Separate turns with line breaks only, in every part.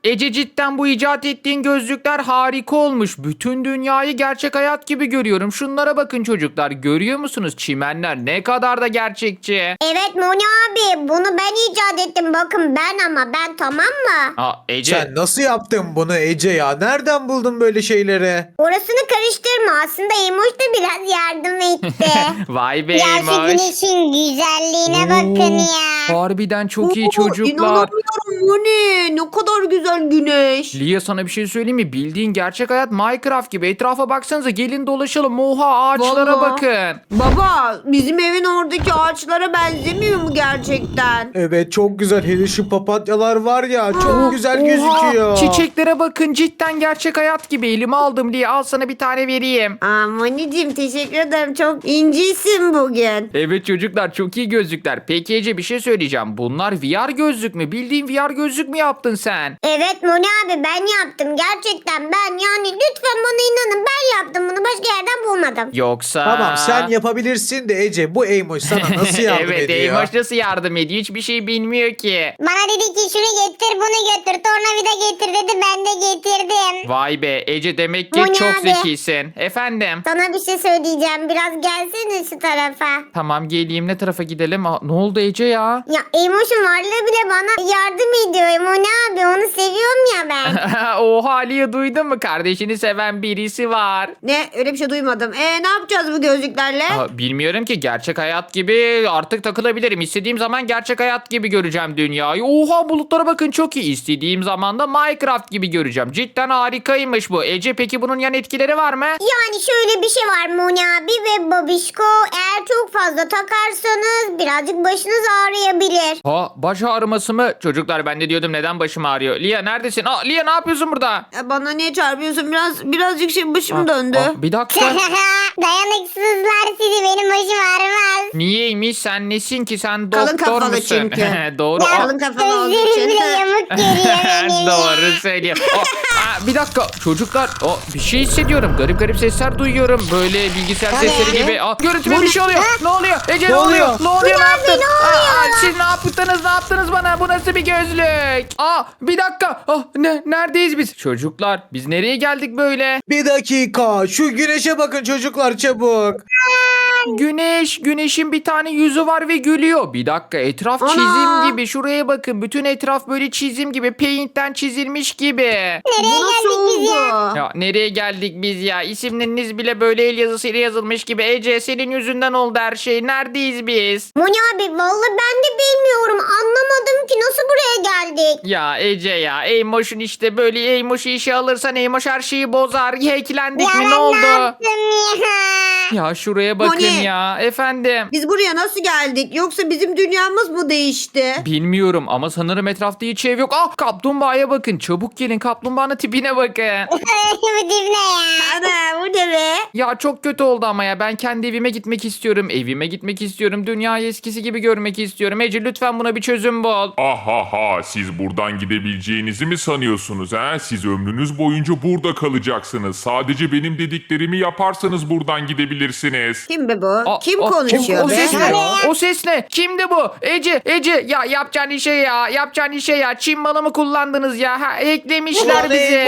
Ece cidden bu icat ettiğin gözlükler harika olmuş. Bütün dünyayı gerçek hayat gibi görüyorum. Şunlara bakın çocuklar. Görüyor musunuz? Çimenler ne kadar da gerçekçi.
Evet Moni abi bunu ben icat ettim. Bakın ben tamam mı?
Aa, Ece.
Sen nasıl yaptın bunu Ece ya? Nereden buldun böyle şeyleri?
Orasını karıştırma. Aslında Emoş da biraz yardım etti.
Vay be
Ya şu
Eymoş.
güneşin güzelliğine bakın ya.
Harbiden çok iyi
Oo,
çocuklar.
İnanamıyorum Moni. Ne kadar güzel güneş.
Lia sana bir şey söyleyeyim mi? Bildiğin gerçek hayat Minecraft gibi. Etrafa baksanıza, gelin dolaşalım. Oha, ağaçlara
Vallahi.
bakın.
Baba bizim evin oradaki ağaçlara benzemiyor mu gerçekten?
Evet çok güzel. Hele şu papatyalar var ya çok
Aa,
güzel
Oha,
gözüküyor.
çiçeklere bakın, cidden gerçek hayat gibi. Elime aldım Lia, al sana bir tane vereyim.
Aa Moni'cim teşekkür ederim. Çok incisin bugün.
Evet çocuklar, çok iyi gözlükler. Peki Ece, bir şey söyleyeceğim. Bunlar VR gözlük mü? Bildiğin VR gözlük mü yaptın sen?
Evet Moni abi ben yaptım. Gerçekten ben yani lütfen bana inanın ben yaptım bunu. Başka yerden bulmadım.
Yoksa...
Tamam sen yapabilirsin de Ece bu Eymoş sana nasıl yardım
evet,
ediyor?
Eymoş nasıl yardım ediyor? Hiçbir şey bilmiyor ki.
Bana dedi ki şunu getir bunu götür. Tornavida getir dedi ben de getirdim.
Vay be Ece, demek ki
Bu ne
çok
abi?
zekisin. Efendim?
Sana bir şey söyleyeceğim. Biraz gelsene şu tarafa.
Tamam, geleyim. Ne tarafa gidelim? Aa, ne oldu Ece ya?
Ya Emoş'un varlığı bile bana yardım ediyor. Moni abi onu seviyorum ya ben.
Oha Lia, duydun mu? Kardeşini seven birisi var.
Ne öyle bir şey duymadım. Ne yapacağız bu gözlüklerle?
Bilmiyorum ki, gerçek hayat gibi artık takılabilirim. İstediğim zaman gerçek hayat gibi göreceğim dünyayı. Oha, bulutlara bakın, çok iyi. İstediğim zaman da Minecraft gibi göreceğim. Cidden harikaymış bu. Ece, peki bunun yan etkileri var mı?
Yani şöyle bir şey var Moni abi ve Babişko. Eğer çok fazla takarsanız birazcık başınız ağrıyabilir.
Ha, baş ağrıması mı? Çocuklar, ben de diyordum neden başım ağrıyor. Lia neredesin? Lia, ne yapıyorsun burada?
Bana niye çarpıyorsun? Birazcık başım döndü.
Bir dakika.
Dayanıksızlar sizi benim başım ağrımaz.
Niyeymiş? Sen nesin ki? Sen
Kalın
doktor
kafalı
musun?
çünkü.
Doğru.
Ya,
Kalın kafalı olduğu
gözlerim
için.
bile yamuk geliyor benim ya.
Doğru söylüyor. Bir dakika çocuklar. Bir şey hissediyorum. Garip garip sesler duyuyorum. Böyle bilgisayar
O ne?
sesleri gibi. Görüntüme bir şey oluyor. Ne oluyor? Ece, ne
Ne
oluyor?
oluyor?
Ne oluyor? Ne yaptın?
ne oluyor?
Siz ne yaptınız? Ne yaptınız bana? Bu nasıl bir gözlük? Bir dakika. Neredeyiz biz? Çocuklar, biz nereye geldik böyle?
Bir dakika şu güneşe bakın çocuklar çabuk.
Güneşin bir tane yüzü var ve gülüyor. Bir dakika, etraf
Ana!
çizim gibi. Şuraya bakın. Bütün etraf böyle çizim gibi. Paint'ten çizilmiş gibi.
Bu nasıl
geldik biz ya?
oldu?
Ya nereye geldik biz ya? İsimleriniz bile böyle el yazısıyla yazılmış gibi. Ece, senin yüzünden oldu her şey. Neredeyiz biz?
Moni abi vallahi ben de bilmiyorum. Anlamadım ki nasıl buraya geldik.
Ya Ece ya. Eymoş'un işte böyle, Eymoş'u işe alırsan Eymoş her şeyi bozar. Hacklendik mi?
ben
Ne oldu?
yaptım ya?
Ya şuraya bakın
Moni.
ya. Efendim.
Biz buraya nasıl geldik? Yoksa bizim dünyamız mı değişti?
Bilmiyorum ama sanırım etrafta hiç ev yok. Kaplumbağaya bakın. Çabuk gelin, kaplumbağanın tipine bakın.
Bu dip ne ya?
Ana bu ne be?
Ya çok kötü oldu ama ya. Ben kendi evime gitmek istiyorum. Evime gitmek istiyorum. Dünyayı eskisi gibi görmek istiyorum. Ece, lütfen buna bir çözüm bul.
Ahaha, siz buradan gidebileceğinizi mi sanıyorsunuz ha? Siz ömrünüz boyunca burada kalacaksınız. Sadece benim dediklerimi yaparsanız buradan gidebilirsiniz.
Kim be bu? Kim
O
konuşuyor be?
ses ne? O ses ne? Kimdi bu? Ece ya, yapacağın işe ya. Çin malı mı kullandınız ya? Eklemişler bizi.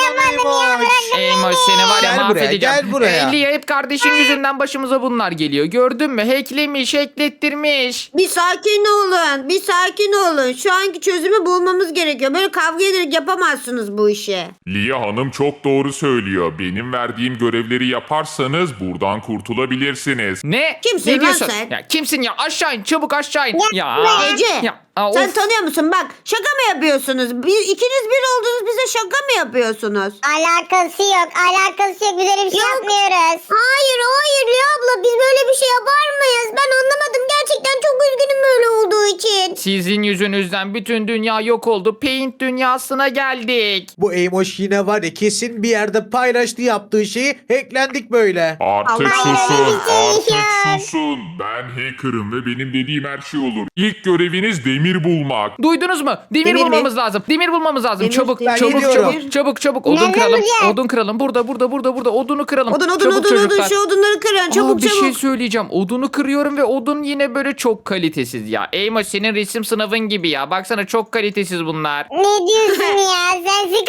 Eymoş, seni var ya
Gel buraya,
mahvedeceğim.
gel buraya.
Lia, hep kardeşin yüzünden başımıza bunlar geliyor. Gördün mü? Hacklettirmiş.
Bir sakin olun. Bir sakin olun. Şu anki çözümü bulmamız gerekiyor. Böyle kavga ederek yapamazsınız bu işi.
Lia Hanım çok doğru söylüyor. Benim verdiğim görevleri yaparsanız buradan kurtulabilirsiniz.
Ne?
Kimsin
Ne
lan
diyorsun?
sen?
Ya kimsin ya? Aşağı in, çabuk aşağı in. Ya.
Ece. Sen
of.
tanıyor musun? Bak şaka mı yapıyorsunuz? İkiniz bir oldunuz bize şaka mı yapıyorsunuz?
Alakası yok. Biz öyle bir şey yapmıyoruz. Hayır Rüya abla biz böyle bir şey yapar mıyız? Ben anlamadım. Gerçekten çok üzgünüm böyle olduğu için.
Sizin yüzünüzden bütün dünya yok oldu. Paint dünyasına geldik.
Bu Eymoş yine var ya kesin bir yerde paylaştı yaptığı şeyi hacklendik böyle.
Artık
Allah
susun,
Allah.
artık susun. Ben hacker'ım ve benim dediğim her şey olur. İlk göreviniz demir bulmak.
Duydunuz mu? Demir
Demir mi?
bulmamız lazım. Demir bulmamız lazım.
Demir,
Çabuk,
demir.
çabuk,
Ben
çabuk,
gidiyorum.
çabuk, çabuk. Odun
Nereden
kıralım.
bulacağız?
Odun kıralım. Burada. Odunu kıralım.
Odun
Çabuk çocuklar.
şu odunları kırın. Çabuk
Bir şey
çabuk.
söyleyeceğim. Odunu kırıyorum ve odun yine böyle çok kalitesiz ya. Eymoş, senin resim sınavın gibi ya. Baksana, çok kalitesiz bunlar.
Ne diyorsun ya?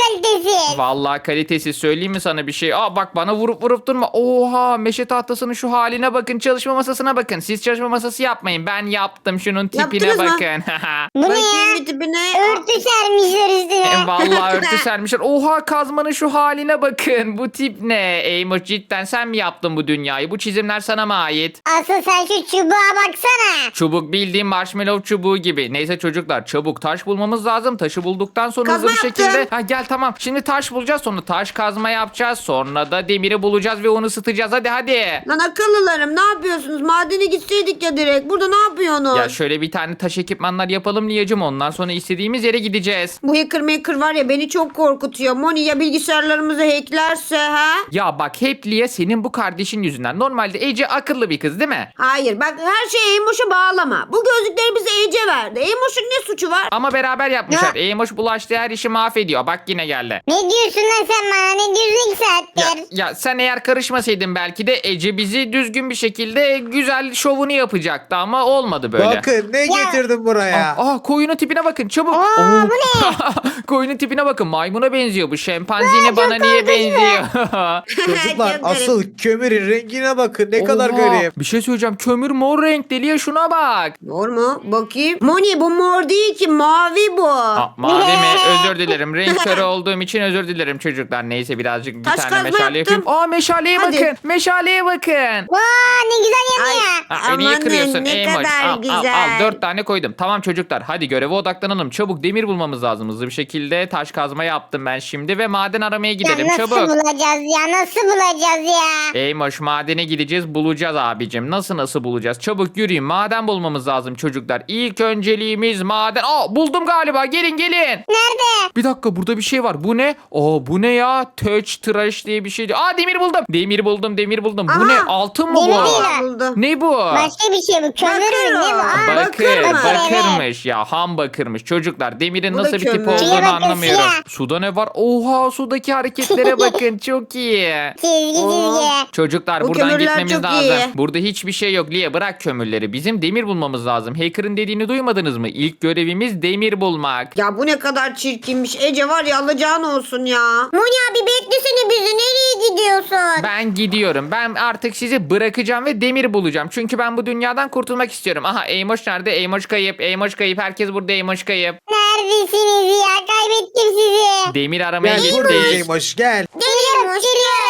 kalitesiz.
Vallahi kalitesiz, söyleyeyim mi sana bir şey? Aa bak, bana vurup vurup durma. Oha, meşe tahtasının şu haline bakın. Çalışma masasına bakın. Siz çalışma masası yapmayın. Ben yaptım. Şunun tipine
Yaptınız mı?
bakın.
Bu ne
Bakayım
ya?
bir tipine.
Örtü sermişler üstüne.
Vallahi örtü sermişler. Oha, kazmanın şu haline bakın. Bu tip ne? Eymoş, cidden sen mi yaptın bu dünyayı? Bu çizimler sana mı ait?
Asıl sen şu çubuğa baksana.
Çubuk bildiğin marshmallow çubuğu gibi. Neyse çocuklar, çabuk taş bulmamız lazım. Taşı bulduktan sonra hızlı
Kazma
bir şekilde...
yaptım.
Ha gel, tamam. Şimdi taş bulacağız, sonra taş kazma yapacağız. Sonra da demiri bulacağız ve onu ısıtacağız. Hadi.
Lan akıllılarım, ne yapıyorsunuz? Madene gitseydik ya direkt. Burada ne yapıyorsunuz?
Ya şöyle bir tane taş ekipmanlar yapalım Liyacım. Ondan sonra istediğimiz yere gideceğiz.
Bu hacker var ya, beni çok korkutuyor. Moni ya bilgisayarlarımızı hacklerse ha?
Ya bak, hep Liya senin bu kardeşin yüzünden. Normalde Ece akıllı bir kız değil mi?
Hayır bak, her şeyi Eymoş'a bağlama. Bu gözlükleri bize Ece verdi. Eymoş'un ne suçu var?
Ama beraber yapmışlar. Eymoş bulaştığı her işi mahvediyor. Bak yine geldi.
Ne diyorsun lan sen bana? Ne diyorsun ilk saattir?
Ya sen eğer karışmasaydın belki de Ece bizi düzgün bir şekilde güzel şovunu yapacaktı ama olmadı böyle.
Bakın ne getirdim buraya.
Koyunun tipine bakın çabuk.
Aa, bu ne?
Koyunun tipine bakın, maymuna benziyor bu. Şempanzini bana niye benziyor?
Çocuklar
Çok garip.
asıl kömürün rengine bakın ne kadar
Oha,
garip.
bir şey söyleyeceğim, kömür mor renkli Liya, şuna bak.
Mor mu? Bakayım. Moni bu mor değil ki, mavi bu.
Mavi mi? Özür dilerim. Renk körü olduğum için özür dilerim çocuklar. Neyse birazcık bir
Taş
tane
kazma
meşale
yaptım.
yapayım. Meşaleye
Hadi.
bakın. Meşaleye bakın.
Vaa ne güzel yanıyor.
Niye
Amanın
kırıyorsun
ne
Eymoş?
kadar
Al,
güzel.
4 tane koydum. Tamam çocuklar, hadi göreve odaklanalım. Çabuk demir bulmamız lazım. Hızlı bir şekilde taş kazma yaptım ben şimdi ve maden aramaya gidelim.
Ya nasıl
Çabuk.
bulacağız ya? Nasıl bulacağız ya?
Eymoş, madene gideceğiz, bulacağız abicim. Nasıl bulacağız? Çabuk yürüyün, maden bulmamız lazım çocuklar. İlk önceliğimiz maden. Buldum galiba, gelin.
Nerede?
Bir dakika, burada bir şey var. Bu ne? Bu ne ya? Touch trash diye bir şeydi. Demir buldum. Demir buldum. Bu
Aha,
ne? Altın mı
demir
bu?
değil.
Buldum.
Ne bu?
Başka bir şey bu. Kömür mü? Ne bu?
Bakır.
Bakır,
Bakır mı?
bakırmış ya, ham bakırmış. Çocuklar, demirin
Bu da
nasıl bir tip
kömür.
olduğunu
Şuraya bakın,
anlamıyorum.
siyah.
Suda ne var? Oha, sudaki hareketlere bakın, çok iyi.
Çizgi çizgi.
Çocuklar,
Bu
buradan
kömürler
gitmemiz
çok
lazım.
iyi.
Burada hiçbir şey yok Liye, bırak kömürleri. Bizim demir bulmamız lazım. Hacker'ın dediğini duymadınız mı? İlk görevimiz demir bulmak.
Ya bu ne kadar çirkinmiş. Ece var ya, alacağın olsun ya.
Moni abi beklesene bizi. Nereye gidiyorsun?
Ben gidiyorum. Ben artık sizi bırakacağım ve demir bulacağım. Çünkü ben bu dünyadan kurtulmak istiyorum. Aha, Eymoş nerede? Eymoş kayıp. Eymoş kayıp. Herkes burada, Eymoş kayıp.
Neredesiniz ya? Kaybettim sizi.
Demir aramaya
Gel
gittik.
buradayım hoş gel.
Geliyorum.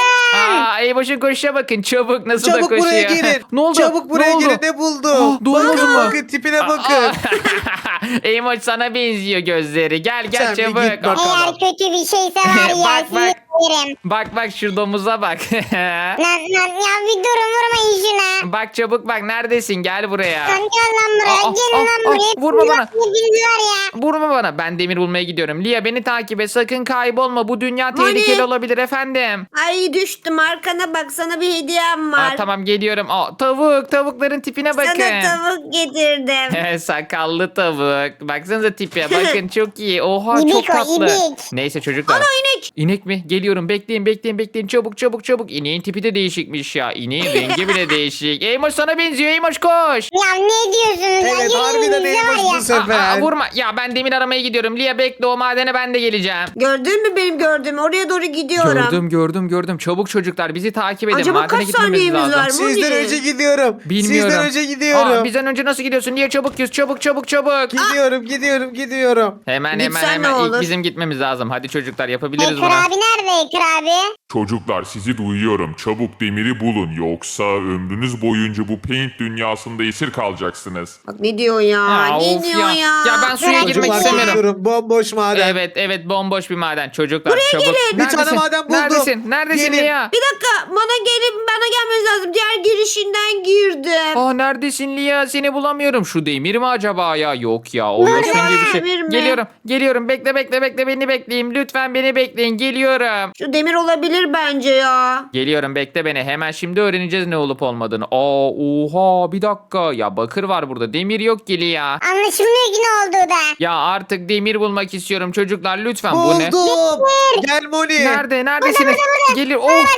Eymoş'un koşuşa bakın. Çabuk, nasıl da
Çabuk
koşuyor.
buraya gelin.
Ne oldu?
Çabuk buraya
Ne oldu?
gelin ne buldum.
doğru
bakın
mu?
bakın tipine bakın.
Eymoş, sana benziyor gözleri. Gel
Sen bir
çabuk.
git bak.
Eğer kötü bir şeyse var ya
Bak,
sizi
bak.
yerim.
Bak şu domuza bak.
Lan ya bir durun vurmayın şuna.
Bak çabuk, bak neredesin, gel buraya.
Lan gel lan buraya. Gelin lan buraya.
Vurma bana.
Hepiniz var ya.
Vurma bana, ben demir bulmaya gidiyorum. Lia, beni takip et, sakın kaybolma, bu dünya tehlikeli
Hani?
olabilir efendim.
Ay düştüm, arkana bak, sana bir hediyem var.
Tamam geliyorum. Tavukların tipine bakın.
Sana tavuk getirdim.
Sakallı tavuk. Baksanıza tipe. Bakın çok iyi. Oha,
İbik
çok
o,
tatlı.
ibik.
Neyse çocuklar.
Ana inek.
İnek mi? Geliyorum. Bekleyin. Çabuk. İneğin tipi de değişikmiş ya. İneğin rengi bile değişik. Eymoş sana benziyor. Eymoş koş.
Ya ne diyorsunuz ya?
Evet
Gelin
harbiden
bize var
Eymoş
ya.
bu sefer.
Vurma. Ya ben demir aramaya gidiyorum. Lia bekle, o madene ben de geleceğim.
Gördün mü benim gördüğümü? Oraya doğru gidiyorum.
Gördüm. Çabuk çocuklar, bizi takip edin.
Acaba
Madene
kaç
gitmemiz
saniyemiz
lazım.
var?
Sizden
Moni.
önce gidiyorum.
Bilmiyorum.
Sizden önce gidiyorum.
Bizden önce nasıl gidiyorsun? Lia çabuk yüz. Çabuk.
Gidiyorum.
Hemen
Gitsen ne
İlk
olur?
bizim gitmemiz lazım. Hadi çocuklar, yapabiliriz
Ekir
bunu.
abi nerede Ekir abi?
Çocuklar, sizi duyuyorum. Çabuk demiri bulun. Yoksa ömrünüz boyunca bu paint dünyasında esir kalacaksınız.
Bak ne diyor ya?
Aa,
ne
of
diyor
ya.
ya?
Ya ben suya
Bırak
girmek
ya.
istemiyorum.
Gidiyorum bomboş maden.
Evet bomboş bir maden. Çocuklar çabuk.
gelin.
Bir tane maden buldum.
Neredesin
Gelin.
Lia?
Bir dakika, bana gelmeniz lazım. Diğer girişinden girdim.
Neredesin Lia? Seni bulamıyorum. Şu demir mi acaba ya? Yok ya. O yosun gibi bir
Demir
şey.
mi?
Geliyorum. Bekle, beni bekleyin. Lütfen beni bekleyin. Geliyorum.
Şu demir olabilir olabilir bence ya.
Geliyorum, bekle beni. Hemen şimdi öğreneceğiz ne olup olmadığını. Oha, bir dakika. Ya bakır var burada. Demir yok Gili ya.
Anlaşılmıyor ki ne olduğu da.
Ya artık demir bulmak istiyorum çocuklar. Lütfen bu ne?
Buldum. Gel Moni.
Neredesiniz? Gelir.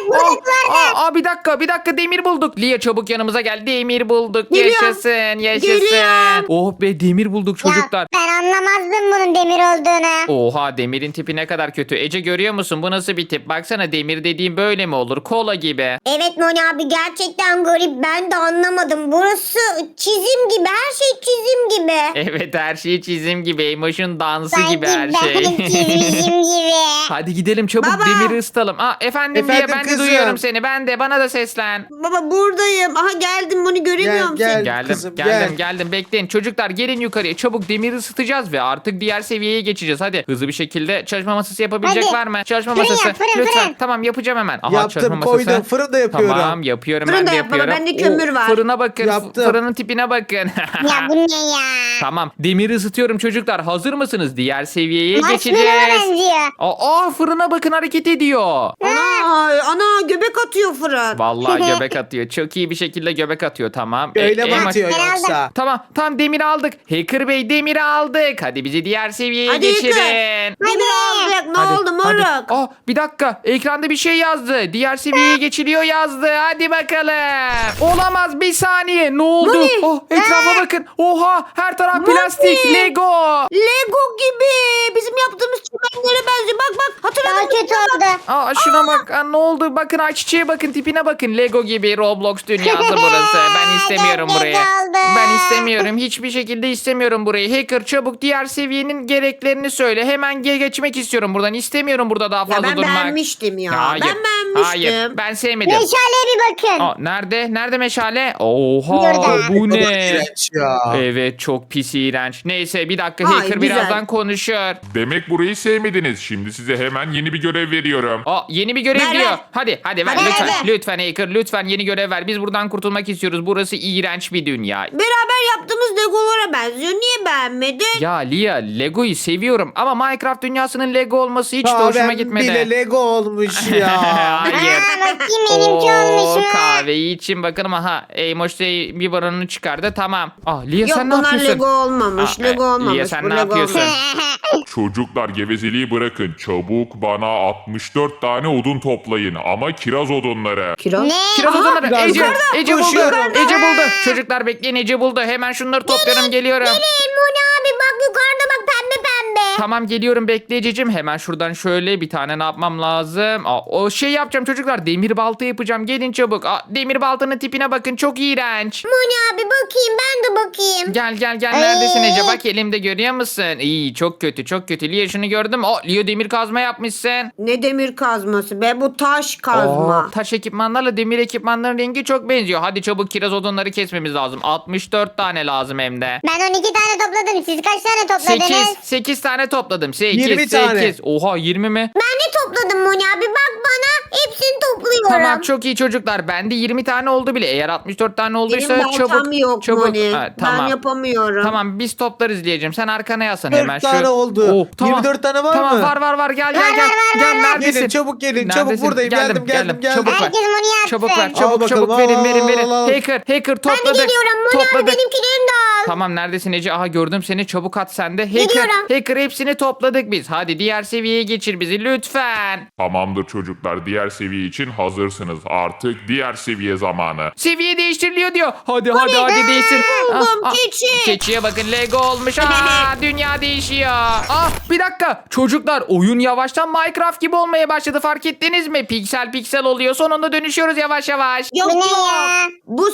Bir dakika demir bulduk. Lia çabuk yanımıza gel. Demir bulduk.
Geliyorum.
Yaşasın.
Geliyorum.
Oh be, demir bulduk çocuklar.
Ya ben anlamazdım bunun demir olduğunu.
Oha, demirin tipi ne kadar kötü. Ece görüyor musun? Bu nasıl bir tip? Baksana, demir dediğim böyle mi olur? Kola gibi.
Evet Moni abi gerçekten garip. Ben de anlamadım. Burası çizim gibi. Her şey çizim gibi.
Evet, her şey çizim gibi. Emoş'un dansı gibi her
Sanki
şey.
ben çizmişim gibi.
Hadi gidelim çabuk,
Baba.
demiri ısıtalım. Efendim diye
Efendim
ben de
kızım.
duyuyorum seni. Bana da seslen.
Baba buradayım. Aha geldim, bunu göremiyorum
Gel,
seni.
gel.
Geldim,
Kızım,
geldim. Bekleyin çocuklar, gelin yukarıya. Çabuk demiri ısıtacağız ve artık diğer seviyeye geçeceğiz. Hadi hızlı bir şekilde çalışma masası yapabilecek
Hadi.
var mı? Çalışma
Fırın
masası.
yap, fırın,
Lütfen.
fırın.
Tamam, yapacağım hemen. Aha, çalışma
Yaptım,
masası.
koydum. Fırında yapıyorum.
Tamam, yapıyorum,
Fırın
ben
da
de
yap baba,
yapıyorum.
bende kömür var.
Fırına bakın.
Yaptım.
Fırının tipine bakın.
Ya bu ne ya?
Tamam, demiri ısıtıyorum çocuklar. Hazır mısınız? Diğer seviyeye
Marshmallow'a
geçeceğiz.
benziyor.
Fırına bakın, hareket ediyor.
Ana göbek atıyor fırın.
Vallahi göbek atıyor. Çok iyi bir şekilde göbek atıyor. Tamam.
Öyle mi
Emoş-
atıyor
Ben
yoksa?
Tamam, demir aldık. Hacker Bey, demiri aldık. Hadi bizi diğer seviyeye
Hadi
geçirin.
Demir alacak. Ne
Hadi,
oldu moruk?
Bir dakika. Ekranda bir şey yazdı. Diğer seviyeye geçiliyor yazdı. Hadi bakalım. Olamaz, bir saniye. Ne oldu?
Moni.
Etrafa bakın. Oha, her taraf plastik. Lego.
Lego gibi. Bizim yaptığımız çimenlere benziyor. Bak hatırladın
Daha
mı?
kötü oldu.
Şuna bak. Ne oldu? Bakın, çiçeğe bakın, tipine bakın. Lego gibi Roblox dünyası burası. Ben istemiyorum
Çok
burayı.
kötü oldu.
Ben istemiyorum. Hiçbir şekilde istemiyorum burayı. Hacker, çabuk diğer seviyenin gereklerini söyle. Hemen geçmek istiyorum buradan. İstemiyorum burada daha
Ya
fazla
ben
durmak.
beğenmiştim ya.
Hayır.
Ben beğenmiştim.
Hayır. Ben sevmedim.
Meşaleye bir bakın.
Nerede? Nerede meşale? Oha,
Burada.
bu
Baba
ne?
iğrenç ya.
Evet, çok pis, iğrenç. Neyse, bir dakika,
Ay,
Hacker
güzel.
birazdan konuşur.
Demek burayı sevmediniz. Şimdi size hemen yeni bir görev veriyorum.
Yeni bir görev
Ver,
diyor.
ver.
Hadi ver
Hadi,
lütfen.
hadi.
Lütfen Hacker, lütfen yeni görev ver. Biz buradan kurtulmak istiyoruz. Burası iğrenç bir dünya.
Beraber yaptığımız Legolara benziyor. Niye beğenmedin?
Ya Lia, Lego'yu seviyorum ama Minecraft dünyasının Lego olması hiç de
Kahvem
hoşuma gitmedi.
bile Lego olmuş ya.
Hayır.
Bakayım benimki olmuş mu?
Kahveyi için bakın, aha. Eymoş bir baronunu çıkardı, tamam. Lia,
Yok
sen ne
bunlar
yapıyorsun?
Lego olmamış. Lego olmamış.
Lia, sen
Bu
ne
Lego
yapıyorsun?
olmamış.
Çocuklar, gevezeliği bırakın. Çabuk bana 64 tane odun toplayın. Ama kiraz odunları.
Kiraz.
Ne?
Kiraz odunları.
biraz
Ece buldu.
koşuyorum.
Ece buldu. Çocuklar bekleyin, Ece buldu. Hemen şunları topluyorum, geliyorum.
Moni abi bak yukarıda bak pembe pembe.
Tamam, geliyorum, bekle Ececiğim. Hemen şuradan şöyle bir tane ne yapmam lazım? O şey yapacağım çocuklar. Demir balta yapacağım. Gelin çabuk. Demir baltanın tipine bakın. Çok iğrenç.
Moni abi bakayım ben de bakayım.
Gel. Neredesin Ece? Bak, elimde görüyor musun? İyi, çok kötü. Lia, şunu gördüm. Lia, demir kazma yapmışsın.
Ne demir kazması be, bu taş kazma.
Taş ekipmanlarla demir ekipmanların rengi çok benziyor. Hadi çabuk kiraz odunları kesmemiz lazım. 64 tane lazım hem de.
Ben 12 tane topladım. Siz kaç tane topladınız?
8 tane topladım. 8.
20 tane.
Oha, 20 mi?
Ben de topladım Moni abi. Bak bana hepsini topluyorum.
Tamam, çok iyi çocuklar. Bende 20 tane oldu bile. Eğer 64 tane olduysa
Benim baltam
çabuk.
yok
çabuk.
Moni.
Tamam.
Ben yapamıyorum.
Tamam, biz toplarız diyeceğim. Sen arkana yaslan
40
hemen.
tane oldu. 24 tane var
tamam,
mı?
Var. Gel.
var.
Neredesin?
Gelin, çabuk gelin, çabuk
Neredesin?
buradayım. Geldim.
Çabuk ver.
Herkes Moni yapsın.
Çabuk ver.
Al
Çabuk
bakalım,
verin.
al.
Hacker topladık.
Ben de geliyorum Moni abi benimkilerini de al.
Tamam, neredesin Ece? Aha, gördüm seni. Çabuk at sen de.
Gidiyorum.
Hacker hepsini topladık biz. Hadi diğer seviyeye geçir bizi lütfen.
Tamamdır çocuklar. Diğer seviye için hazırsınız. Artık diğer seviye zamanı.
Seviye değiştiriliyor diyor. Hadi değişsin.
buldum, keçi.
Keçiye bakın, Lego olmuş. Dünya değişiyor. Bir dakika. Çocuklar, oyun yavaştan Minecraft gibi olmaya başladı. Fark ettiniz mi? Piksel oluyor. Sonunda dönüşüyoruz yavaş.
Yok
Bu ne ya?
Bu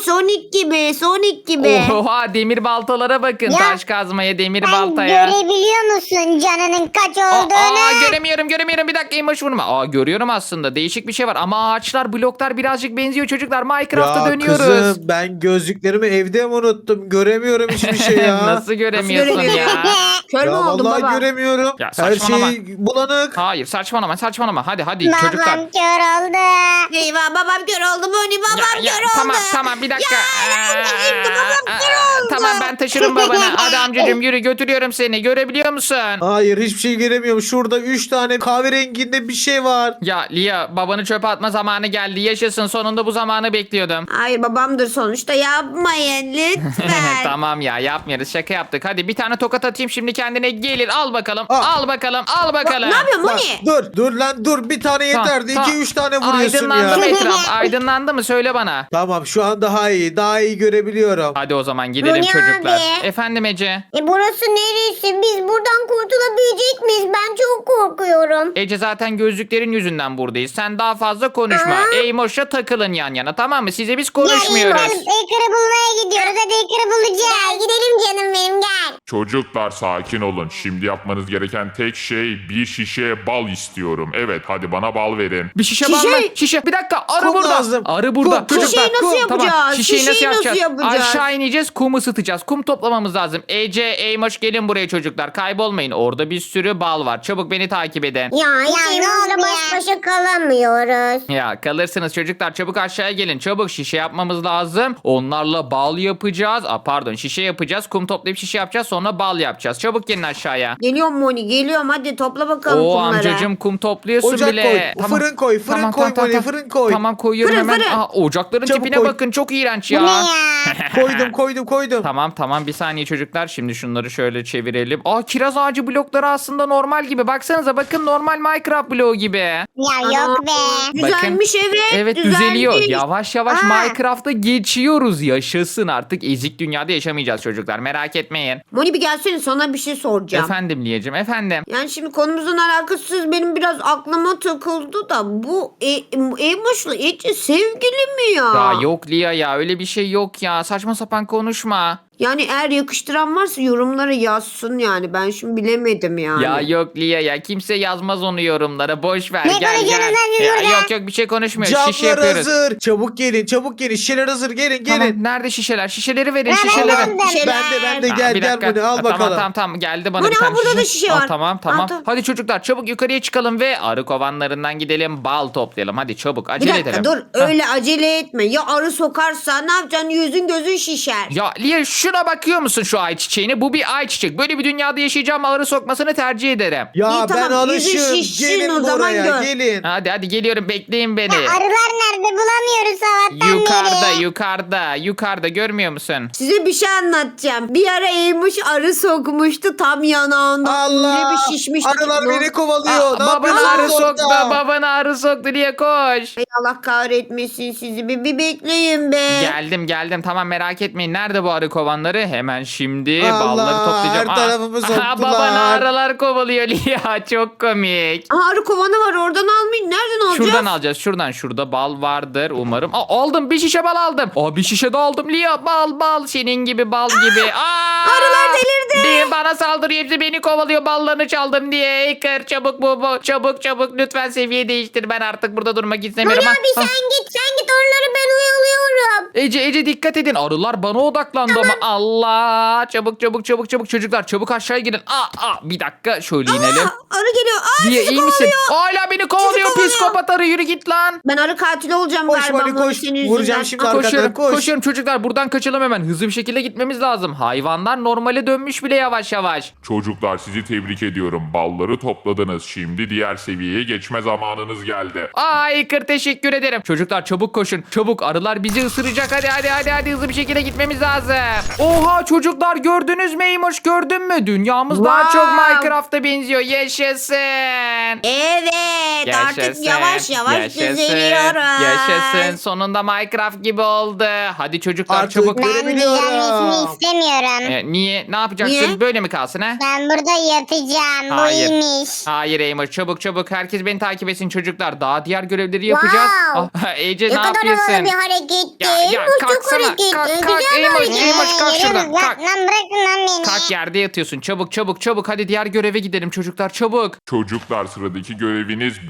Sonic gibi.
Oha, demir baltalara bakın.
Ya,
Taş kazmaya, demir
Sen
baltaya.
görebiliyor musun canının kaç olduğunu?
Göremiyorum. Bir dakika, Emoş vurma. Görüyorum aslında. Değişik bir şey var. Ama ağaçlar, bloklar birazcık benziyor çocuklar. Minecraft'a
Ya
dönüyoruz.
kızım, ben gözlüklerimi evde mi unuttum? Göremiyorum hiçbir şey ya.
Nasıl göremiyorsun
Nasıl
ya?
Kör mü
Ya
oldun
vallahi
baba?
göremiyorum.
Ya
Her
saçmalama.
şey bulanık.
Hayır, saçmalama. Hadi çocuklar.
Babam kör oldu.
Eyvah babam kör oldu Moni, babam kör oldu.
Tamam, bir dakika.
Ya, ne oldu şimdi? Babam kör oldu.
Tamam, ben taşırım babanı. Hadi amcacığım yürü götürüyorum seni. Görebiliyor musun?
Hayır hiçbir şey göremiyorum. Şurada 3 tane kahverenginde bir şey var.
Ya Lia babanı çöpe atma zamanı geldi. Yaşasın sonunda bu zamanı bekliyordum.
Hayır babamdır sonuçta, yapmayın lütfen.
Tamam ya yapmıyoruz şaka yaptık. Hadi bir tane tokat atayım şimdi kendine gelir. Al bakalım
Aa.
al bakalım al bakalım.
Ne yapıyorsun
Lan,
Moni?
dur lan dur. Bir tane yeterdi.
Tamam,
2-3 tane vuruyorsun
Aydınlandı mı
ya.
etraf? Aydınlandı mı? Söyle bana.
Tamam şu an daha iyi. Daha iyi görebiliyorum.
Hadi o zaman gidelim
Moni
çocuklar.
abi.
Efendim Ece.
Burası neresi? Biz buradan kurtulabilecek miyiz? Ben çok korkuyorum.
Ece zaten gözlüklerin yüzünden buradayız. Sen daha fazla konuşma. Eymoş'la takılın yan yana tamam mı? Size biz konuşmuyoruz.
Hacker'ı bulmaya gidiyoruz. Hadi Hacker'ı bulacağız. Gel gidelim canım benim gel.
Çocuklar sakin olun. Şimdi yapmanız gereken tek şey bir şişe bal istiyorum. Evet hadi bana bal verin.
Bir şişe var mı? Şişe. Bir dakika. Arı
Kum
burada.
lazım.
Arı burada.
Kum, kum.
Çocuklar.
Şişeyi nasıl
Tamam.
yapacağız?
Şişeyi nasıl
Şişeyi nasıl
yapacağız?
yapacağız?
Aşağı ineceğiz. Kum ısıtacağız. Kum toplamamız lazım. Ece, Eymoş gelin buraya çocuklar. Kaybolmayın. Orada bir sürü bal var. Çabuk beni takip edin.
Ya hiç Eymoş'la baş başa kalamıyoruz.
Ya kalırsınız çocuklar çabuk aşağıya gelin çabuk şişe yapmamız lazım onlarla bal yapacağız pardon şişe yapacağız kum toplayıp şişe yapacağız sonra bal yapacağız çabuk gelin aşağıya.
Geliyorum Moni, geliyorum, hadi topla bakalım
Oo
kumları.
amcacım kum topluyorsun
Ocak
bile.
koy. Fırın koy. Fırın koy Moni. Fırın koy.
Tamam koyuyorum
Fırın,
hemen.
fırın.
Ocakların
Çabuk
tipine
koy.
bakın çok iğrenç
Bu
ya.
ne ya?
Koydum.
Tamam bir saniye çocuklar şimdi şunları şöyle çevirelim. Kiraz ağacı blokları aslında normal gibi baksanıza bakın normal Minecraft bloğu gibi.
Ya
Ana,
yok be.
Düzelmiş
Evet
düzelmiş.
düzeliyor. Yavaş yavaş
Aa.
Minecraft'a geçiyoruz. Yaşasın artık ezik dünyada yaşamayacağız çocuklar. Merak etmeyin.
Moni bir gelsene, sana bir şey soracağım.
Efendim Liyeciğim efendim.
Yani şimdi konumuzun alakasız benim biraz aklıma takıldı da bu Eymoş'la Ece sevgili mi ya?
Ya yok Liya ya öyle bir şey yok ya. Saçma sapan konuşma.
Yani eğer yakıştıran varsa yorumlara yazsın yani. Ben şimdi bilemedim yani.
Ya yok Liya ya kimse yazmaz onu yorumlara. Boş ver
Ne
gel gel.
konuşuyorsunuz lan siz
Ya,
burada?
yok bir şey konuşmuyoruz. Şişe
Camlar
yapıyoruz.
hazır. Çabuk gelin. Şişeler hazır. Gelin.
Tamam nerede şişeler? Şişeleri verin
Ben
şişeleri.
aldım.
Ben de
Aa,
gel
bir dakika.
bunu al bakalım.
Tamam geldi bana
Bu
bir
ne?
tane
Burada da şişe var.
Tamam.
Aa, tamam.
Hadi çocuklar çabuk yukarıya çıkalım ve arı kovanlarından gidelim bal toplayalım. Hadi çabuk
Bir
acele
dakika
edelim.
dur,
Hah.
öyle acele etme. Ya arı sokarsa ne yapacaksın? Yüzün gözün şişer.
Ya Liye şuna bakıyor musun şu ayçiçeğine? Bu bir ayçiçek. Böyle bir dünyada yaşayacağım arı sokmasını tercih ederim.
Ya
İyi,
ben
tamam, yüzü
alışığım.
şişsin
Gelin
o zaman
buraya.
gör.
Gelin.
Hadi geliyorum bekleyin beni.
Arılar nerede? Bulamıyoruz sabahtan beri.
Yukarıda görmüyor musun?
Size bir şey anlatacağım. Bir ara Eymuş arı sokmuştu tam yanağında.
Allah.
Öyle bir şişmişti.
Arılar
ki bu.
beni kovalıyor. Ne
Babanı
yapıyorsunuz
arı soktu.
orada?
Babanı arı soktu Liye koş.
Ay Allah kahretmesin sizi. Bir bekleyin be.
Geldim tamam merak etmeyin. Nerede bu arı kovanları? Hemen şimdi
Allah,
balları toplayacağım.
her tarafımı soktular.
Babanı arılar kovalıyor Liya. Çok komik.
Aha, arı kovanı var, oradan almayın. Nereden alacağız?
Şuradan alacağız şuradan. Şurada bal vardır umarım. Aldım bir şişe bal aldım. Bir şişe de aldım Liya. Bal senin gibi bal gibi.
Arılar delirdi.
Bana saldırıyor hepsi beni kovalıyor ballarını çaldım diye. Hacker çabuk bu. Çabuk lütfen seviye değiştir. Ben artık burada durmak istemiyorum.
Moni abi sen git oraları ben oyalıyorum.
Ece dikkat edin. Arılar bana odaklandı ama Allah. Çabuk çocuklar çabuk aşağıya gidin. Bir dakika şöyle inelim.
Arı geliyor. Aa,
Diye
sizi
iyi misin?
kovalıyor.
Hala beni kovalıyor
kovalıyor.
psikopat arı yürü git lan.
Ben arı katili olacağım
Koş
galiba.
Moni,
Moni,
koş.
senin yüzünden.
Vuracağım şimdi arkadan. Koş.
Koşuyorum çocuklar buradan kaçalım hemen. Hızlı bir şekilde gitmemiz lazım. Hayvanlar normale dönmüş bile yavaş.
Çocuklar sizi tebrik ediyorum. Balları topladınız. Şimdi diğer seviyeye geçme zamanınız geldi.
Hacker teşekkür ederim. Çocuklar çabuk koşun. Çabuk arılar bizi ısıracak. Hadi hızlı bir şekilde gitmemiz lazım. Oha çocuklar gördünüz mü Eymoş gördün mü? Dünyamız daha
Wow.
çok Minecraft'a benziyor. Yaşasın.
Evet artık yavaş düzeliyoruz.
Yaşasın. Sonunda Minecraft gibi oldu. Hadi çocuklar
Artık
çabuk.
böyle-
Ben
Görebiliyorum.
düzenmesini istemiyorum.
Niye? Ne yapacaksın?
Niye?
Böyle mi kalsın ha?
Ben burada yatacağım.
Hayır.
Bu iyiymiş.
Hayır Eymoş çabuk. Herkes beni takip etsin çocuklar. Daha diğer görevleri yapacağız.
Wow.
Ece
Ne
ne
kadar
yapıyorsun?
havalı bir hareketti.
Ya
Bu çok
kalksana.
hareketli.
Kalk,
Güzel
Eymoş,
hareket.
Eymoş, kalk
Yürü
şuradan,
lan,
kalk.
Lan bırakın lan beni.
Kalk yerde yatıyorsun. Çabuk. Hadi diğer göreve gidelim çocuklar çabuk.
Çocuklar sıradaki göreviniz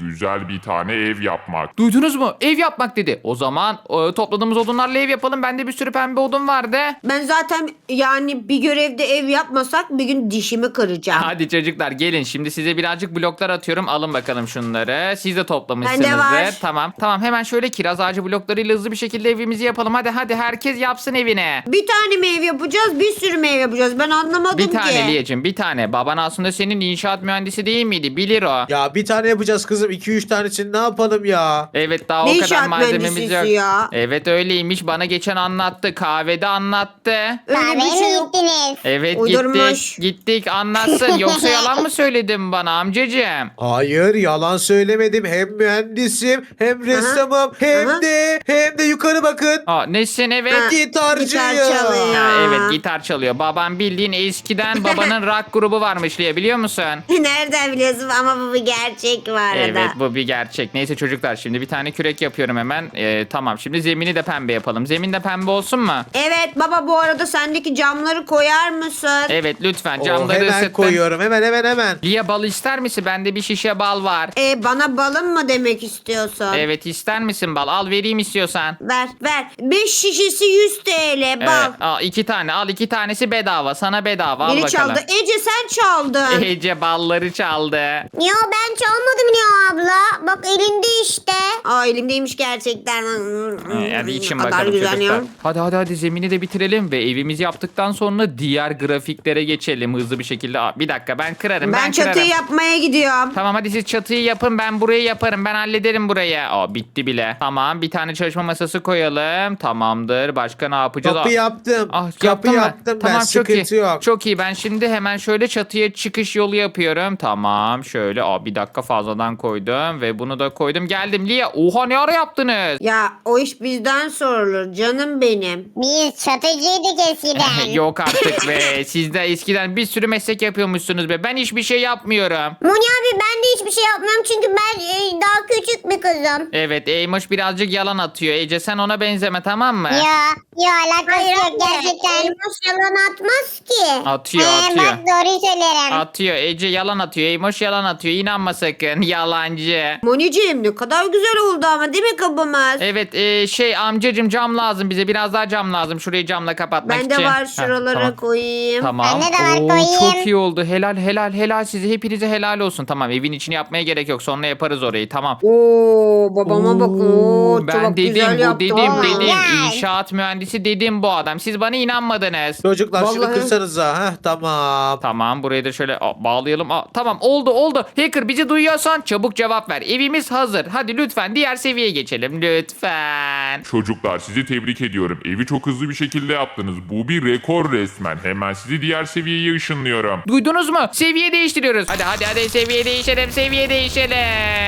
güzel bir tane ev yapmak.
Duydunuz mu? Ev yapmak dedi. O zaman topladığımız odunlarla ev yapalım. Bende bir sürü pembe odun vardı.
Ben zaten yani bir görevde ev yapmasak bir gün dişimi kıracağım.
Hadi çocuklar gelin. Şimdi size birazcık bloklar atıyorum. Alın bakalım şunları. Siz de toplamışsınızdır.
Bende var.
Tamam hemen şöyle kiraz ağacı bloklarıyla hızlı bir şekilde evimizi yapalım. Hadi herkes yapsın evine.
Bir tane mi ev yapacağız, bir sürü mü ev yapacağız? Ben anlamadım
Bir tane
ki.
Liyeciğim, bir tane. Baban aslında senin inşaat mühendisi değil miydi? Bilir o.
Ya bir tane yapacağız kızım. 2-3 tanesini ne yapalım ya?
Evet daha
Ne
o kadar
inşaat
malzememiz
mühendisisi
yok.
ya?
Evet öyleymiş. Bana geçen anlattı. Kahvede anlattı.
Öyle
Kahveye
bir şey
mi
yok.
gittiniz?
Evet
Uydurmuş.
gittik anlatsın. Yoksa yalan mı söyledin bana amcacığım?
Hayır, yalan söylemedim. Hem mühendisim, hem ressamım, hem de yukarı bakın.
Aa, nesin evet?
Ha,
Gitarcıyım.
gitar çalıyor.
Ha, evet gitar çalıyor. Babam bildiğin eskiden babanın rock grubu varmış diye biliyor musun?
Nereden biliyorsun ama bu bir gerçek var arada.
Evet bu bir gerçek. Neyse çocuklar şimdi bir tane kürek yapıyorum hemen. Tamam şimdi zemini de pembe yapalım. Zemin de pembe olsun mu?
Evet baba bu arada sendeki camları koyar mısın?
Evet lütfen
Oo,
camları
hemen
ısıttım.
koyuyorum. Hemen.
Lia bal ister misin? Bende bir şişe bal var.
Bana balım mı demek istiyorsun?
Evet ister misin bal? Al vereyim istiyorsan.
Ver. 5 şişesi 100 TL bal.
Evet, al 2 tane. Al 2 tanesi bedava. Sana bedava. Al
Biri
bakalım.
çaldı. Ece sen çaldın.
Ece balları çaldı.
Ya ben çalmadım ya abla. Bak elinde işte.
Aa elimdeymiş gerçekten.
Hadi için
Ne kadar
bakalım
güzel
çocuklar.
ya.
Hadi zemini de bitirelim ve evimizi yaptıktan sonra diğer grafiklere geçelim hızlı bir şekilde. Aa, bir dakika ben kırarım.
Ben çatıyı
kırarım.
yapmaya gidiyorum.
Tamam hadi siz çatıyı yapın ben burayı yaparım ben hallederim burayı. Aa bitti bile. Tamam bir tane çalışma masası koyalım. Tamamdır. Başka ne yapacağız?
Kapı
Aa,
yaptım.
Kapı
Kapı yaptım ben.
Tamam çok iyi.
Sıkıntı yok.
Çok iyi. Ben şimdi hemen şöyle çatıya çıkış yolu yapıyorum. Tamam şöyle. Bir dakika fazladan koydum ve bunu da koydum. Geldim Lia. Oha ne ara yaptınız?
Ya o iş bizden sorulur canım benim.
Biz çatıcıydık eskiden.
Yok artık be. Siz de eskiden bir sürü meslek yapıyormuşsunuz be. Ben hiçbir şey yapmıyorum.
Moni abi ben de hiçbir şey yapmıyorum çünkü ben daha küçük bir kızım.
Evet Eymoş birazcık yalan atıyor. Ece sen ona benzeme tamam mı?
Ya alakası yok
anne,
gerçekten.
Elmas yalan atmaz ki.
Atıyor.
Bak doğruyu söylerim.
Atıyor. Ece yalan atıyor. Eymoş yalan atıyor. İnanma sakın. Yalancı.
Moniciğim ne kadar güzel oldu ama değil mi kapımız?
Evet amcacım cam lazım bize. Biraz daha cam lazım. Şurayı camla kapatmak için.
Bende var
Heh,
şuralara
tamam.
koyayım.
Tamam.
Bende de var,
Oo,
koyayım.
çok iyi oldu. Helal size. Hepinize helal olsun. Tamam evin içini yapmaya gerek yok. Sonra yaparız orayı. Tamam.
Oo babama bakın. Oo,
ben
çok
dedim
güzel yaptı.
dedim.
Gel.
İnşaat mühendisi dedim bu adam. Siz bana inanmadınız.
Çocuklar şunu
Vallahi-
kırsanıza. Tamam.
Tamam burayı da şöyle bağlayalım. Tamam oldu. Hacker bizi duyuyorsan çabuk cevap ver. Evimiz hazır. Hadi lütfen diğer seviyeye geçelim. Lütfen.
Çocuklar sizi tebrik ediyorum. Evi çok hızlı bir şekilde yaptınız. Bu bir rekor resmen. Hemen sizi diğer seviyeye ışınlıyorum.
Duydunuz mu? Seviye değiştiriyoruz. Hadi seviye değişelim.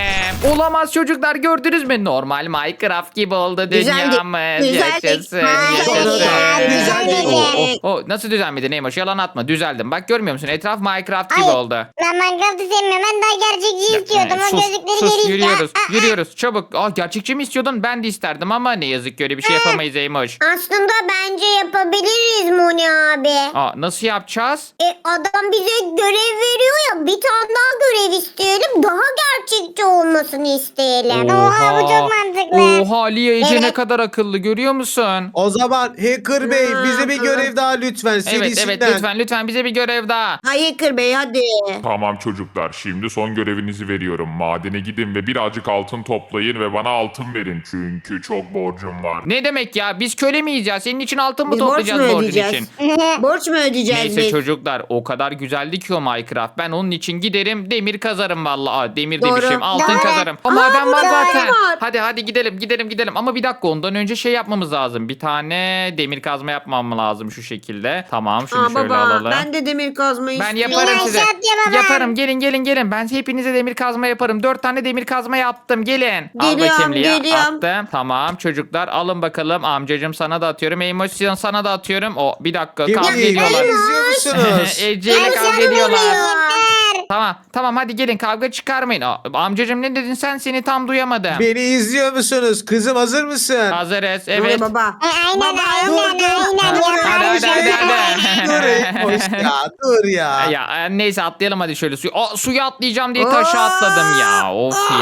Olamaz çocuklar gördünüz mü? Normal Minecraft gibi oldu
Düzeldik.
dünyamız.
Düzeldik.
Yaşasın. Nasıl düzelmedi Neymoş? Yalan atma. Düzeldim. Bak görmüyor musun? Etraf Minecraft gibi
Ay,
oldu.
Ben Minecraft'ı sevmiyorum. Ben daha gerçekçi istiyordum. O gözlükleri
sus
geri
yürüyoruz çabuk. Gerçekçi mi istiyordun? Ben de isterdim ama ne yazık ki öyle bir şey yapamayız Eymoş.
Aslında bence yapabiliriz Moni abi.
Nasıl yapacağız?
Adam bize görev veriyor ya, bir tane daha görev isteyelim, daha gerçekçi olmasını isteyelim. Oha bu çok mantıklı.
Oha Lia Ece ne
Evet.
kadar akıllı görüyor musun?
O zaman Hacker Bey bize bir görev daha lütfen. Serisinden.
Evet lütfen bize bir görev daha.
Hayır Bey hadi.
Tamam çocuklar, şimdi son görevinizi veriyorum. Madene gidin ve birazcık altın toplayın ve bana altın verin. Çünkü çok borcum var.
Ne demek ya? Biz köle miyiz ya? Senin için altın mı
Biz borç mu
toplayacağız borcun
ödeyeceğiz?
için?
Borç mu ödeyeceğiz
Neyse
biz?
çocuklar o kadar güzeldi ki o Minecraft. Ben onun için giderim demir kazarım vallahi. Demir
Doğru.
demişim altın
Doğru.
kazarım. Ama ben var
burada
zaten.
var.
Hadi gidelim. Ama bir dakika ondan önce şey yapmamız lazım. Bir tane demir kazma yapmam lazım şu şekilde. Tamam şunu şöyle
baba
alalım.
ben de demir kazma
Ben
istiyorum.
yaparım
Ben
size.
inşaat yapamam.
Yaparım. Gelin. Ben hepinize demir kazma yaparım. 4 tane demir kazma yaptım. Gelin. Al
Geliyorum,
bakayım Lia.
geliyorum.
Attım. Tamam çocuklar alın bakalım. Amcacım sana da atıyorum. Eymoş'un sana da atıyorum. Bir dakika
Kim
kavga
değil?
ediyorlar.
İzliyor musunuz?
Ece ile
Ay,
kavga
canım
ediyorlar.
oluyor.
Tamam hadi gelin kavga çıkarmayın. Amcacım ne dedin sen? Seni tam duyamadım.
Beni izliyor musunuz? Kızım hazır mısın?
Hazırız.
Evet.
Evet.
Baba.
Aynen
Dur.
Hadi.
Dur Eymoş ya. Dur ya.
Ya neyse atlayalım hadi şöyle suya atlayacağım diye taşa atladım ya. Of ya.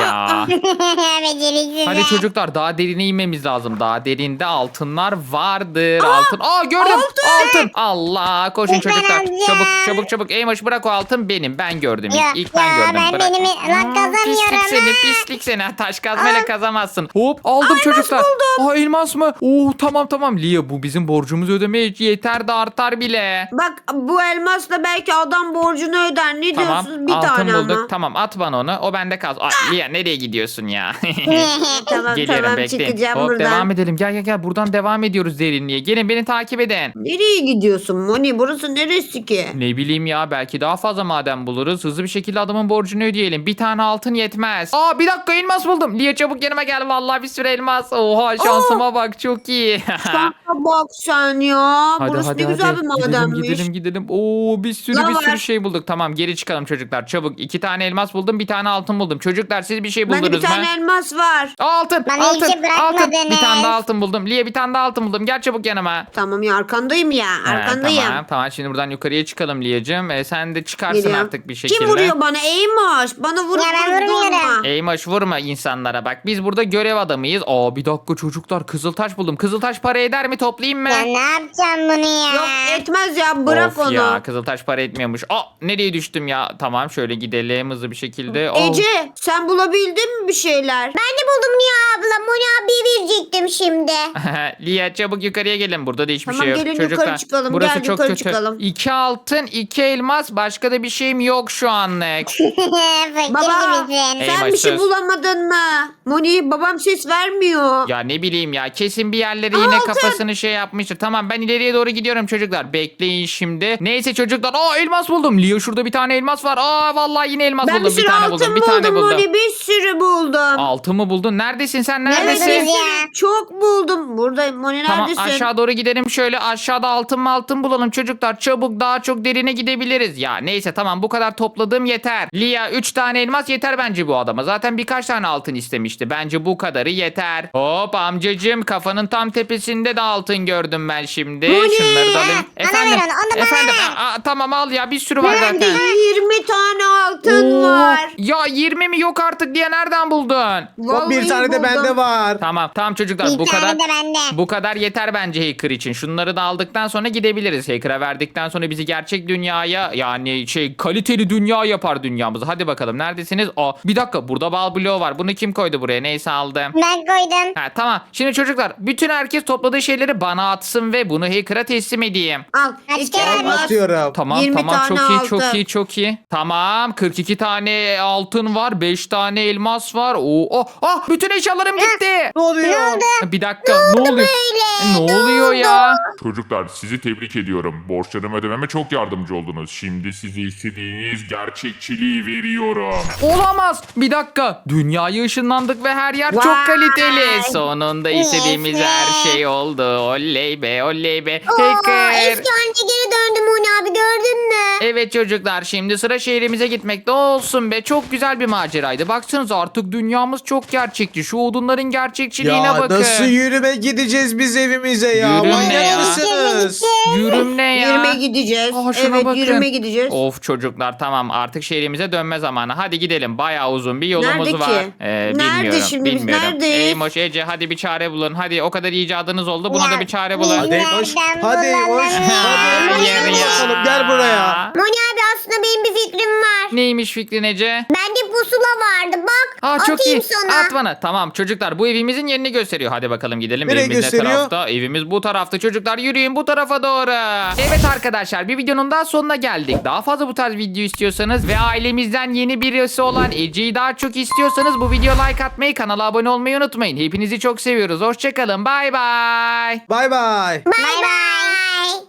Beceriksiz.
Hadi çocuklar daha derine inmemiz lazım. Daha derinde altınlar vardır. Altın. Aa gördüm. Altın. Allah koşun
Lütfen
çocuklar.
amca.
Çabuk çabuk çabuk. Eymoş bırak o altın benim. Ben gördüm.
Ya,
İlk ben
ya,
gördüm.
ben
Bırak.
benim lan kazanıyorum.
Pislik seni pislik seni. Taş kazmayla kazamazsın. Hop aldım çocuklar. Aa elmas mı? Oo tamam. Lia bu bizim borcumuzu ödemeye yeter de artar bile.
Bak bu elmasla belki adam borcunu öder. Ne
Tamam
diyorsunuz? Bir
altın
tane
bulduk.
ama.
Tamam at bana onu. O bende kalsın. Aa, Lia nereye gidiyorsun ya?
Tamam
Geliyorum bekleyin.
çıkacağım
Hop
buradan.
devam edelim. Gel buradan devam ediyoruz derinliğe. Gelin beni takip edin.
Nereye gidiyorsun Moni? Burası neresi ki?
Ne bileyim ya belki daha fazla maden buluruz. Hızlı bir şekilde adamın borcunu ödeyelim. Bir tane altın yetmez. Aa bir dakika elmas buldum. Lia çabuk yanıma gel. Vallahi bir sürü elmas. Oha şansıma bak çok iyi.
Sana bak sen ya. Burası ne güzel bir madenmiş.
Gidelim. Oo bir sürü
Ne var?
şey bulduk. Tamam geri çıkalım çocuklar. Çabuk 2 tane elmas buldum. Bir tane altın buldum. Çocuklar siz bir şey
Bende
buldunuz
bir
mu?
tane elmas var.
Altın.
Bana hiçbir
altın.
şey bırakmadınız.
Bir tane daha altın buldum. Lia bir tane daha altın buldum. Gel çabuk yanıma.
Tamam ya arkandayım ya. Arkandayım.
Tamam şimdi buradan yukarıya çıkalım Liyacığım. Sen de çıkarsın
Geliyorum.
artık bir şekilde.
Kim vuruyor bana? Eymoş. Bana vurup
Ya ben vurmuyorum.
Eymoş vurma insanlara bak. Biz burada görev adamıyız. Aa bir dakika çocuklar Kızıltaş buldum. Kızıltaş para eder mi toplayayım mı?
Ya ne yapacağım bunu ya?
Yok etmez ya bırak
Of
onu.
ya Kızıltaş para etmiyormuş. Aa nereye düştüm ya? Tamam şöyle gidelim hızlı bir şekilde. Oh.
Ece sen bulabildin mi bir şeyler?
Ben de buldum Lia abla. Moni abiye verecektim şimdi.
Liya çabuk yukarıya gelin. Burada da hiçbir
Tamam,
şey yok.
gelin
Çocuklar,
yukarı çıkalım.
burası
Gel,
çok
yukarı
kötü.
çıkalım.
2 altın 2 elmas başka da bir şeyim yok şu anlık.
Fakir
Baba
gibisin.
Ey,
sen bir şey
söz.
bulamadın mı? Moni babam ses vermiyor.
Ya ne bileyim ya kesin bir yerlere yine kafasını şey yapmıştır. Tamam ben ileriye doğru gidiyorum çocuklar. Bekleyin şimdi. Neyse çocuklar. Aa elmas buldum. Lia şurada bir tane elmas var. Aa vallahi yine elmas
Ben bir
buldum.
sürü
Bir tane
altın
buldum. Bir tane buldum.
Moni bir sürü buldum.
Altın mı buldun? Neredesin sen? Neredesin?
Neredesin? Ya.
Çok buldum. Buradayım Moni
Tamam
neredesin?
aşağı doğru gidelim şöyle aşağıda altın bulalım çocuklar çabuk daha çok derine gidebiliriz. Ya neyse tamam bu kadar topladığım yeter. Lia 3 tane elmas yeter bence bu adama. Zaten birkaç tane altın istemişti. Bence bu kadarı yeter. Hop amcacığım kafanın tam tepesinde de altın gördüm ben şimdi.
Bu ne?
Şunları da alayım.
Bana ver onu, onu bana
efendim.
ver.
Tamam al ya bir sürü var
Bende
zaten.
20 tane altın
Oo,
var.
Ya 20 mi yok artık diye nereden buldun?
Hop, bir
Vallahi
tane de
buldum.
bende var.
Tamam çocuklar
Bir
bu
tane
kadar
de bende.
bu kadar yeter bence hacker için. Şunları da aldıktan sonra gidebiliriz. Hacker'a verdikten sonra bizi gerçek dünyaya yani kaliteli dünya yapar dünyamızı. Hadi bakalım neredesiniz? Aa bir dakika burada bal bloğu var. Bunu kim koydu buraya? Neyse aldım.
Ben koydum.
Ha tamam. Şimdi çocuklar bütün herkes topladığı şeyleri bana atsın ve bunu hacker'a teslim edeyim.
Al.
Kaç
iki
kere
elmas.
Atıyorum.
Tamam
20
tamam
tane
çok iyi. Tamam 42 tane altın var, 5 tane elmas var. Bütün eşyalarım gitti.
Ne oluyor?
Ne oldu?
Bir dakika ne oluyor?
böyle?
Ne oluyor ya?
Çocuklar sizi tebrik ediyorum. Borçlarımı ödememe çok yardımcı oldunuz. Şimdi size istediğiniz gerçekçiliği veriyorum.
Olamaz. Bir dakika. Dünyaya ışınlandık ve her yer çok
Vay.
kaliteli. Sonunda istediğimiz
Yes be.
her şey oldu. Oley be oley be.
Oo,
Hacker.
eski haline geri döndüm Moni abi gördün mü?
Evet çocuklar şimdi sıra şehrimize gitmekte olsun be. Çok güzel bir maceraydı. Baksanıza artık dünyamız çok gerçekçi. Şu odunların gerçekçiliğine
Ya
bakın.
nasıl yürüme gideceğiz biz evimize ya?
Yürüme
Manyak
ya.
mısınız?
Yürüm ne ya?
Yürüme gideceğiz.
Aa, şuna
Evet
bakın.
yürüme gideceğiz.
Of çocuklar tamam artık şehrimize dönme zamanı. Hadi gidelim. Bayağı uzun bir yolumuz
Nerede
var.
ki? Nerede
Bilmiyorum.
şimdi biz,
bilmiyorum.
neredeyiz?
Eymoş Ece hadi bir çare bulun. Hadi o kadar icadınız oldu. Buna
Ya,
da bir çare bulun.
Hadi hoş.
Nereden
Hadi hoş.
bulalım?
Hadi
Hayır
hoş.
ya.
Bakalım, gel buraya.
Moni abi aslında benim bir fikrim var.
Neymiş fikrin Ece?
Bende pusula vardı bak.
Aa, çok
atayım
iyi.
sana.
At bana. Tamam çocuklar bu evimizin yerini gösteriyor. Hadi bakalım gidelim.
Nereye
Evimiz ne
gösteriyor?
tarafta? Evimiz bu tarafta. Çocuklar yürüyün bu tarafa doğru. Evet arkadaşlar bir videonun daha sonuna geldik. Daha fazla bu tarz video istiyorsanız ve ailemizden yeni birisi olan Ece'yi daha çok istiyorsanız bu videoya like atmayı, kanala abone olmayı unutmayın. Hepinizi çok seviyoruz. Hoşçakalın. Bay bay.
Bay bay.
Bay bay.